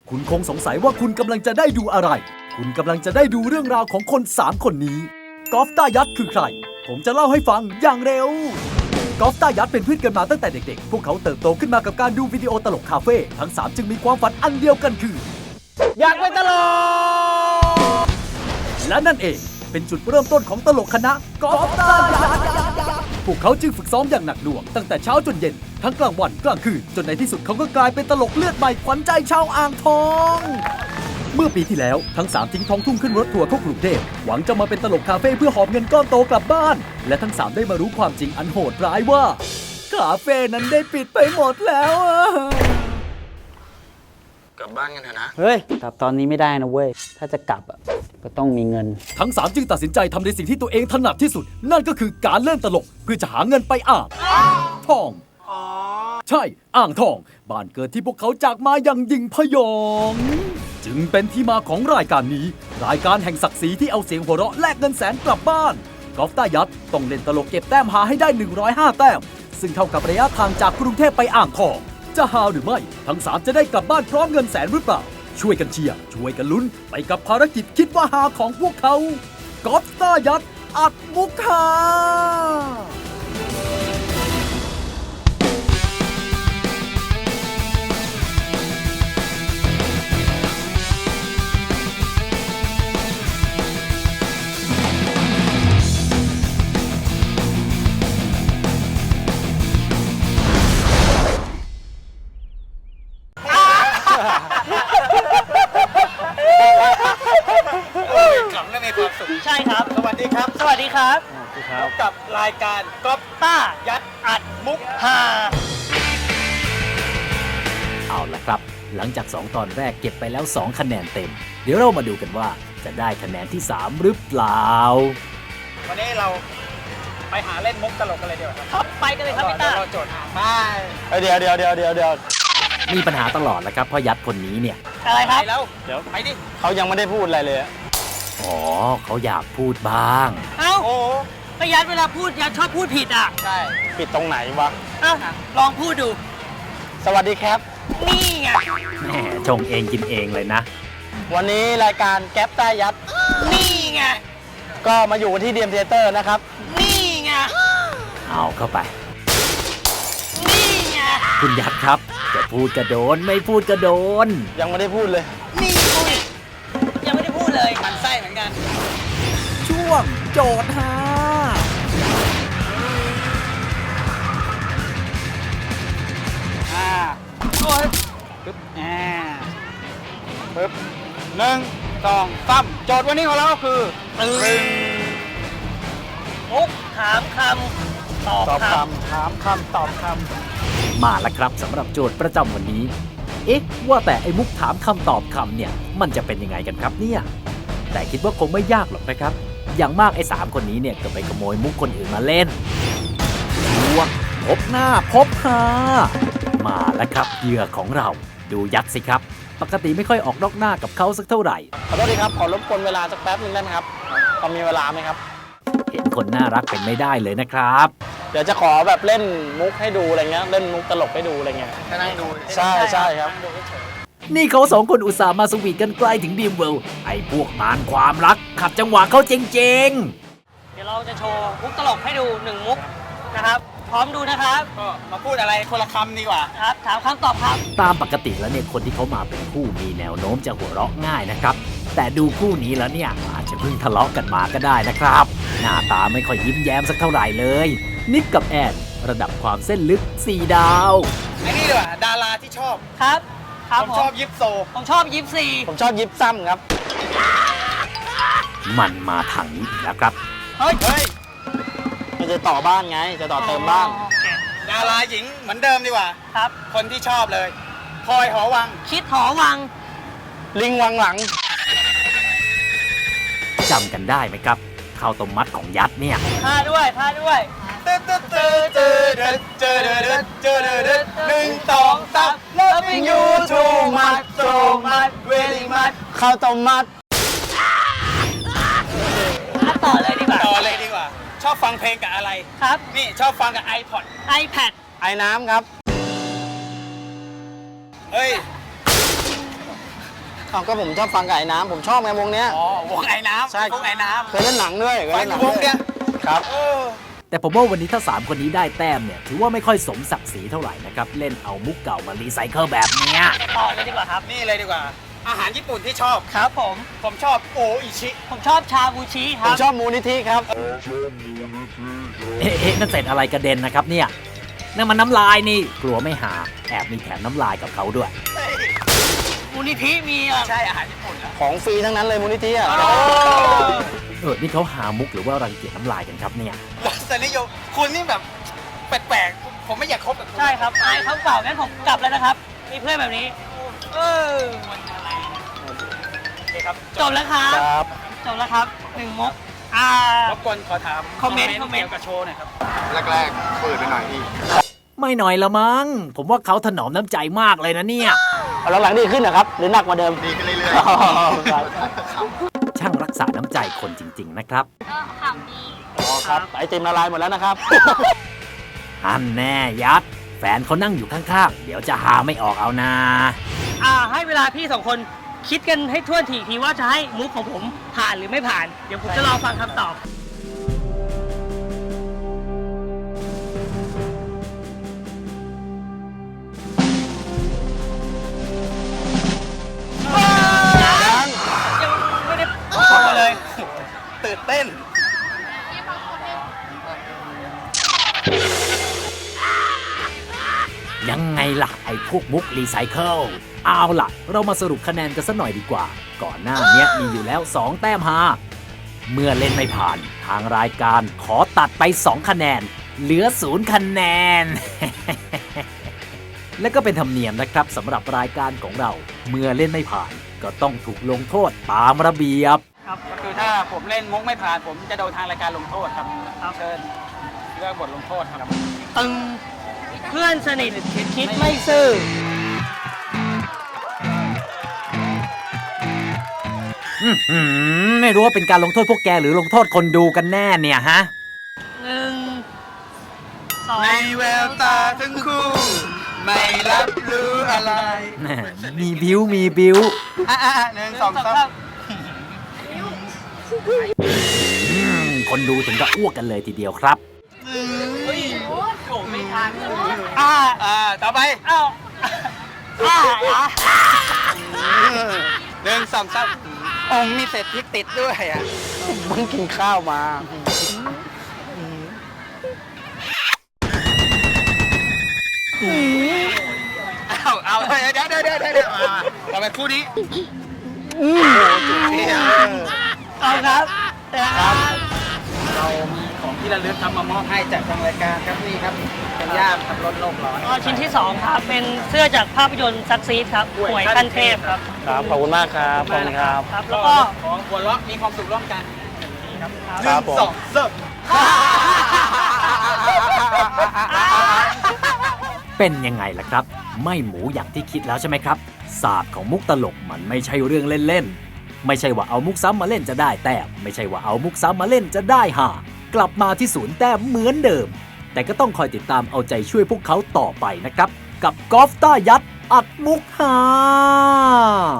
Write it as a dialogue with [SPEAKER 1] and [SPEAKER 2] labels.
[SPEAKER 1] คุณคงสงสัยว่าคุณกำลังจะได้ดูอะไร คุณกำลังจะได้ดูเรื่องราวของคน3คนนี้กอล์ฟต้ายัดคือใครผมจะเล่าให้ฟังอย่างเร็วกอล์ฟต้ายัดเป็นเพื่อนกันมาตั้งแต่เด็กๆพวกเขาเติบโตขึ้นมากับการดูวิดีโอตลกคาเฟ่ทั้ง3จึงมีความฝันอันเดียวกันคือ
[SPEAKER 2] อยากเป็นตลก
[SPEAKER 1] และนั่นเองเป็นจุดเริ่มต้นของตลกคณะกอล์ฟต้ายัดพวกเขาจึงฝึกซ้อมอย่างหนักหน่วงตั้งแต่เช้าจนเย็นทั้งกลางวันกลางคืนจนในที่สุดเขาก็กลายเป็นตลกเลือดใหม่ขวัญใจชาวอ่างทองเมื่อปีที่แล้วทั้ง3ทิ้งท้องทุ่งขึ้นรถทัวร์เข้ากรุงเทพหวังจะมาเป็นตลกคาเฟ่เพื่อหอบเงินก้อนโตกลับบ้านและทั้ง3ได้มารู้ความจริงอันโหดร้ายว่าคาเฟ่นั้นได้ปิดไปหมดแล้ว
[SPEAKER 3] กลับบ้านกันเถอะนะ
[SPEAKER 2] เฮ้ยกลับตอนนี้ไม่ได้นะเว้ยถ้าจะกลับอ่ะก็ต้องมีเงิน
[SPEAKER 1] ทั้ง3จึงตัดสินใจทำในสิ่งที่ตัวเองถนัดที่สุดนั่นก็คือการเล่นตลกเพื่อจะหาเงินไปอ่างทองใช่อ่างทองบ้านเกิดที่พวกเขาจากมาอย่างยิ่งพยองจึงเป็นที่มาของรายการนี้รายการแห่งศักดิ์ศรีที่เอาเสียงหัวเราะแลกเงินแสนกลับบ้านกอล์ฟต้ายัดต้องเล่นตลกเก็บแต้มหาให้ได้105แต้มซึ่งเท่ากับระยะทางจากกรุงเทพไปอ่างทองจะหาหรือไม่ทั้ง3จะได้กลับบ้านพร้อมเงินแสนหรือเปล่าช่วยกันเชียร์ช่วยกันลุ้นไปกับภารกิจคิดว่าหาของพวกเขากอล์ฟต้ายัดอัดมุกหา
[SPEAKER 3] ขำและมีความสุข
[SPEAKER 4] ใช่ครับ
[SPEAKER 3] สวัสดีครับ
[SPEAKER 4] สวัสดีครับ
[SPEAKER 3] พบกับรายการก๊อป
[SPEAKER 4] ต้า
[SPEAKER 3] ยัดอัดมุก
[SPEAKER 4] ฮา
[SPEAKER 1] เอาล่ะครับหลังจาก2ตอนแรกเก็บไปแล้ว2คะแนนเต็มเดี๋ยวเรามาดูกันว่าจะได้คะแนนที่3หรือเปล่า
[SPEAKER 3] วันนี้เราไปหาเล่นมุกตลกกันเลยดีกว่าครับ
[SPEAKER 4] ครับไปกันเลยครับพี่ต้า
[SPEAKER 3] เราโจทย์หาไปเดี๋ยว
[SPEAKER 1] มีปัญหาตลอดแหละครับเพราะยัดคนนี้เนี่ย
[SPEAKER 4] อะไรครับ
[SPEAKER 3] ไปแล้วเดี๋ยวไปดิเขายังไม่ได้พูดอะไรเลยอะ
[SPEAKER 1] อ๋อเขาอยากพูดบ้าง
[SPEAKER 4] เอ้า
[SPEAKER 3] โอ้
[SPEAKER 4] ก็ยัดเวลาพูดยัดชอบพูดผิดอ่ะ
[SPEAKER 3] ใช่ผิดตรงไหนวะ
[SPEAKER 4] เอ้าลองพูดดู
[SPEAKER 3] สวัสดีครับ
[SPEAKER 4] นี่ไง
[SPEAKER 1] แหมชงเองกินเองเลยนะ
[SPEAKER 3] วันนี้รายการแก๊ปใต้ยัด
[SPEAKER 4] นี่ไง
[SPEAKER 3] ก็มาอยู่ที่ดีมเทเตอร์นะครับ
[SPEAKER 4] นี่ไง
[SPEAKER 1] เอาเข้าไป
[SPEAKER 4] นี่ไง
[SPEAKER 1] คุณยัดครับจะพูดกระโดนไม่พูดกระโดน
[SPEAKER 3] ยังไม่ได้พูดเลย
[SPEAKER 4] นี่ไงยังไม่ได้พูดเลย
[SPEAKER 3] มันไส้เหมือนกัน
[SPEAKER 1] ช่วงโจทย์ฮา
[SPEAKER 3] โอ้ยปึ๊บปึ๊บ1 2 3โจทย์วันนี้ของเราก็คือ
[SPEAKER 4] มุกถามคำตอบ
[SPEAKER 3] ตอบ
[SPEAKER 4] ค
[SPEAKER 3] คำถามคำตอบค
[SPEAKER 1] มาแล้วครับสำหรับโจทย์ประจำวันนี้ เอ๊ะว่าแต่ไอ้มุกถามคำตอบคำเนี่ยมันจะเป็นยังไงกันครับเนี่ยแต่คิดว่าคงไม่ยากหรอกนะครับอย่างมากไอ้3คนนี้เนี่ยก็ไปขโมยมุกคนอื่นมาเล่นช่วงพบหน้าพบหามาแล้วครับเหยื่อของเราดูยัดสิครับปกติไม่ค่อยออกนอกหน้ากับเขาสักเท่าไหร่
[SPEAKER 3] ำขอโทษทีครับ ขอรบกวนเวลาสักแป๊บนึงได้ไหมครับพอมีเวลาไหมครับ
[SPEAKER 1] เห็นคนน่ารักเป็นไม่ได้เลยนะครับ
[SPEAKER 3] เดี๋ยวจะขอแบบเล่นมุกให้ดูอะไรเงี้ย เล่นมุกตลกให้ดูอะไรเงี้ยนั่งดู ใช่ครับ
[SPEAKER 1] นี่เขา2คนอุตส่าห์มาสวีทกันใกล้ถึงดีมเวิลด์ไอ้พวกมารความรักขัดจังหวะเขาจริงๆ
[SPEAKER 4] ำเดี๋ยวเราจะโชว์มุกตลกให้ดู1มุกนะครับพร้อมดูนะครับ
[SPEAKER 3] ก็มาพูดอะไรคนละคำดีกว่า
[SPEAKER 4] ครับถามคำตอบคำ
[SPEAKER 1] ตามปกติแล้วเนี่ยคนที่เขามาเป็นคู่มีแนวโน้มจะหัวเราะง่ายนะครับแต่ดูคู่นี้แล้วเนี่ยอาจจะเพิ่งทะเลาะกันมาก็ได้นะครับหน้าตาไม่ค่อยยิ้มแย้มสักเท่าไหร่เลยนิกกับแอนระดับความเส้นลึก4 ดาว
[SPEAKER 3] ไอ้นี่ดีกว่าดาราที่ชอบ
[SPEAKER 4] ครับครับ
[SPEAKER 3] ผมชอบยิปโซ
[SPEAKER 4] ผมชอบยิปซี
[SPEAKER 3] ผมชอบยิปซ้ำครับ
[SPEAKER 1] มันมาทางนี้อีกแล้วครับ
[SPEAKER 3] เฮ้ยมันจะต่อบ้านไง จะต่อเติมบ้าน
[SPEAKER 4] โอเค
[SPEAKER 3] ดาราหญิงเหมือนเดิมดีกว่า
[SPEAKER 4] ครับ
[SPEAKER 3] คนที่ชอบเลยพลอยหอวัง
[SPEAKER 4] คิดหอวัง
[SPEAKER 3] ลิงวังหลัง
[SPEAKER 1] จำกันได้ไหมครับข้าวต้มมัดของยัดเนี่ย
[SPEAKER 4] ท่าด้วยท่าด้วย
[SPEAKER 3] 1 2 3 Loving you too much so much very much ข้าวต้มมัด
[SPEAKER 4] ต่อเลยดีกว่า
[SPEAKER 3] ต่อเลยดีกว่า ชอบฟังเพลงกับอะไร
[SPEAKER 4] ครับ
[SPEAKER 3] นี่ชอบฟังกับ iPod
[SPEAKER 4] iPad
[SPEAKER 3] ไอ้น้ำครับ เฮ้ย
[SPEAKER 2] เอาก็ผมชอบฟังกับไอ้น้ำผมชอบไงวงเนี้ย
[SPEAKER 3] อ๋อ วงไอ้น้ำ
[SPEAKER 2] ใช่
[SPEAKER 3] วงไอ้น้
[SPEAKER 2] เคยเล่นหนังด้วย
[SPEAKER 3] ำ
[SPEAKER 2] เคยเล่นหนัง
[SPEAKER 3] วง
[SPEAKER 2] ด้วย
[SPEAKER 3] เนี้ย
[SPEAKER 2] ครับ
[SPEAKER 1] แต่ผมว่าวันนี้ถ้า 3 คนนี้ได้แต้มเนี่ยถือว่าไม่ค่อยสมศักดิ์ศรีเท่าไหร่นะครับ เล่นเอามุกเก่ามารีไซเคิลแบบเนี้ย
[SPEAKER 4] ต่อเลยดีกว่าครับ
[SPEAKER 3] นี่เลยดีกว่า อาหารญี่ปุ่นที่ชอบ
[SPEAKER 4] ครับผม
[SPEAKER 3] ผมชอบโออิชิ
[SPEAKER 4] ผมชอบชาบูชิค
[SPEAKER 2] ผ
[SPEAKER 4] รั
[SPEAKER 2] ม
[SPEAKER 4] บ
[SPEAKER 2] ชอบมูลนิธิครับ
[SPEAKER 1] เอ๊ะนั่นเศษอะไรกระเด็นนะครับเนี่ยนั่นมันน้ำลายนี่กลัวไม่หาแอบมีแถมน้ำลายกับเขาด้วย
[SPEAKER 4] มูลนิธิมีอ่ะ
[SPEAKER 3] ใช่อาหารญี่ปุ่นแล้ว
[SPEAKER 2] ของฟรีทั้งนั้นเลยมูลนิธิอ่ะ
[SPEAKER 1] นี่เขาหามุกหรือว่ารังเกียจน้ำลายกันครับเนี่ย
[SPEAKER 3] รสนิยมคุณนี่แบบแปลกๆ ผมไม่อยากคบกับคุณ
[SPEAKER 4] ใช่ครับอายเขาเปล่างั้นผมกลับแล้วนะครับ มีเพื่อนแบบนี้
[SPEAKER 3] มันอะไรโอเคครับ
[SPEAKER 4] จบแล้วครับ
[SPEAKER 2] ครับ
[SPEAKER 4] จบแล้วครับ1มุก
[SPEAKER 3] รบกวนขอถาม
[SPEAKER 4] คอมเมนต์
[SPEAKER 3] เกี่ยวกับโชว์หน่อยครับ
[SPEAKER 5] แรกๆเปิดไปหน่อยพี่
[SPEAKER 1] ไม่หน่อยละมั้งผมว่าเขาถนอมน้ำใจมากเลยนะเนี่ย
[SPEAKER 2] เอาหลังๆดีขึ้นนะครับ หรือหนักกว่าเดิม
[SPEAKER 5] ดีขึ้นเรื่อย
[SPEAKER 2] อ๋อครับ
[SPEAKER 5] ๆ
[SPEAKER 1] ช่างรักษาน้ำใจคนจริง ๆ นะครับ
[SPEAKER 2] อ๋อครับ ไอติมละลายหมดแล้วนะครับ
[SPEAKER 1] อันแน่ยัด แฟนเขานั่งอยู่ข้างๆ เดี๋ยวจะหาไม่ออกเอานา
[SPEAKER 4] ให้เวลาพี่สองคนคิดกันให้ทั่วทีทีว่าจะให้มุกของผมผ่านหรือไม่ผ่าน เดี๋ยวผมจะรอฟังคำตอบ ยังไม่ได้
[SPEAKER 3] โชว์เลย ตื่นเต้น
[SPEAKER 1] ยังไงล่ะ ไอ้พวกมุกรีไซเคิลเอาล่ะ เรามาสรุปคะแนนกันสักหน่อยดีกว่า ก่อนหน้าเนี้ยมีอยู่แล้ว 2 แต้มฮาเมื่อเล่นไม่ผ่านทางรายการขอตัดไป 2 คะแนน เหลือ 0 คะแนน และก็เป็นธรรมเนียมนะครับสำหรับรายการของเรา เมื่อเล่นไม่ผ่าน ก็ต้องถูกลงโทษตามระเบียบ
[SPEAKER 3] ครับก็คือถ้าผมเล่นมุกไม่ผ่าน ผมจะโดนทางรายการลงโทษครับเชิญเลือกบทลงโทษครับ
[SPEAKER 4] ตึงเพื่อนสนิทคิดไม่ซื่อ
[SPEAKER 1] ไม่รู้ว่าเป็นการลงโทษพวกแกหรือลงโทษคนดูกันแน่เนี่ยฮะ
[SPEAKER 4] 1 2
[SPEAKER 3] ในแววตาทั้งคู่ ไม่รับรู้อะไร
[SPEAKER 1] มีบิวมีบิว
[SPEAKER 3] หนึ่งสองสาม
[SPEAKER 1] คนดูถึงกับอ้วกกันเลยทีเดียวครับ
[SPEAKER 4] ไม่ทัน
[SPEAKER 3] ต่อไป
[SPEAKER 4] อ้าว
[SPEAKER 3] หนึ่งสองสามองค์มีเศษพริกติดด้วยอ่ะ
[SPEAKER 2] เพิ่งกินข้าวมา
[SPEAKER 3] เอาเดี๋ยวต่อไปคู่นี้
[SPEAKER 4] เอาครับ
[SPEAKER 3] เรามีของที่ระลึกทำมามอบให้จากทางรายการครับนี่ครับเป็นย่ามขับรถโลกร้อน
[SPEAKER 4] ชิ้นที่ 2 ครับ เป็นเสื้อจากภาพยนตร์ซักซีดครับหวยขั้นเทพครับ
[SPEAKER 2] ครับ ขอบคุณมากครับ ขอบคุณครับ
[SPEAKER 4] ครับ
[SPEAKER 3] แล้
[SPEAKER 4] แล้ว ว
[SPEAKER 3] ก็
[SPEAKER 4] ก็
[SPEAKER 3] ของหัวเราะมีความสุขร่วมกันครับ
[SPEAKER 2] ครับผม
[SPEAKER 3] สองสาม
[SPEAKER 1] เป็นยังไงล่ะครับ ไม่หมูอย่างที่คิดแล้วใช่ไหมครับศาสตร์ของมุกตลกมันไม่ใช่เรื่องเล่นๆไม่ใช่ว่าเอามุกซ้ำมาเล่นจะได้แต้มไม่ใช่ว่าเอามุกซ้ำมาเล่นจะได้ห่ากลับมาที่0 แต้มเหมือนเดิม แต่ก็ต้องคอยติดตามเอาใจช่วยพวกเขาต่อไปนะครับ กับกอล์ฟต้ายัดอัดมุกหา